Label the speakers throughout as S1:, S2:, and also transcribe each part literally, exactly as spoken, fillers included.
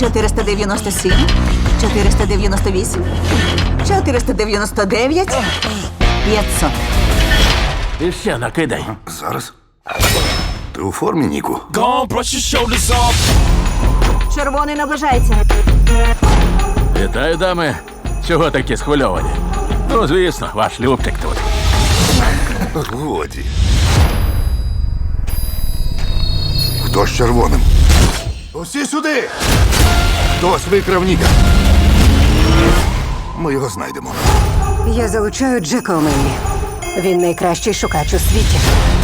S1: чотириста дев'яносто сім, чотириста дев'яносто вісім, чотириста дев'яносто дев'ять, п'ятсот.
S2: І ще накидай.
S3: Зараз. Ти у формі, Ніку?
S4: Gone, brush your shoulders off.
S1: Червоний наближається.
S2: Вітаю, дами. Чого такі схвильовані? Ну, звісно, ваш Любчик тут.
S3: Годі. Хто з червоним? Усі сюди! Хтось викрав Ніка. Ми його знайдемо.
S5: Я залучаю Джека Омені. Він найкращий шукач у світі.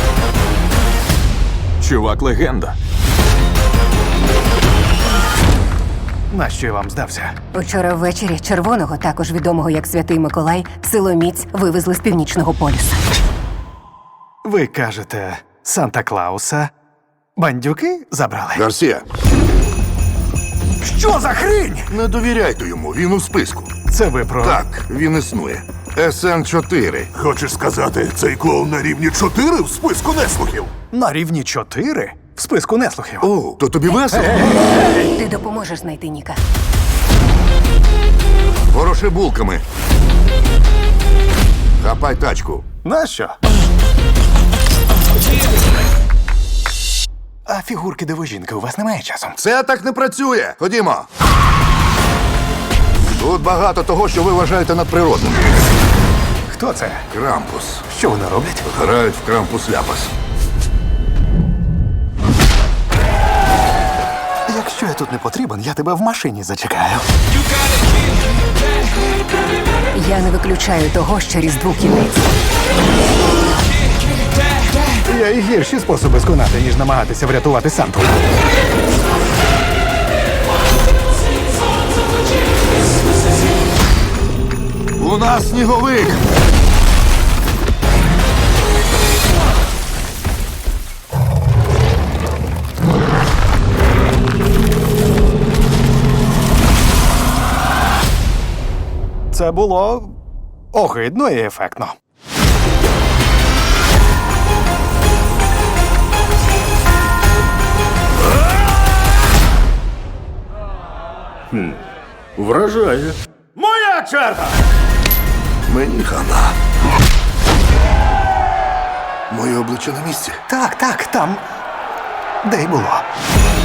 S6: Чувак легенда.
S7: Нащо я вам здався?
S5: Учора ввечері червоного, також відомого як Святий Миколай, силоміць вивезли з північного полюса.
S7: Ви кажете, Санта-Клауса бандюки забрали?
S3: Гарсія,
S7: Що за хрінь?
S3: не довіряйте йому, він у списку.
S7: Це ви про...
S3: Так, він існує. ес ен чотири.
S8: Хочеш сказати, цей клоун на рівні чотири в списку неслухів?
S7: На рівні чотири в списку неслухів.
S3: О, то тобі весело?
S5: Ти допоможеш знайти Ніка.
S3: Вороши булками. Хапай тачку.
S7: Нащо? А фігурки дивожінки у вас немає часом?
S3: Це так не працює. Ходімо. Тут багато того, що ви вважаєте надприродним.
S7: Хто це?
S3: Крампус.
S7: Що вони роблять?
S3: Грають в крампус-ляпас.
S7: Якщо я тут не потрібен, я тебе в машині зачекаю.
S5: Я не виключаю того, що Різдву кінець.
S7: Є і гірші способи сконати, ніж намагатися врятувати Санту.
S3: У нас сніговик.
S7: Це було огидно і ефектно.
S2: Вражає.
S4: Моя черга!
S3: Мені хана. Моє обличчя на місці.
S7: Так, так, там. Де й було.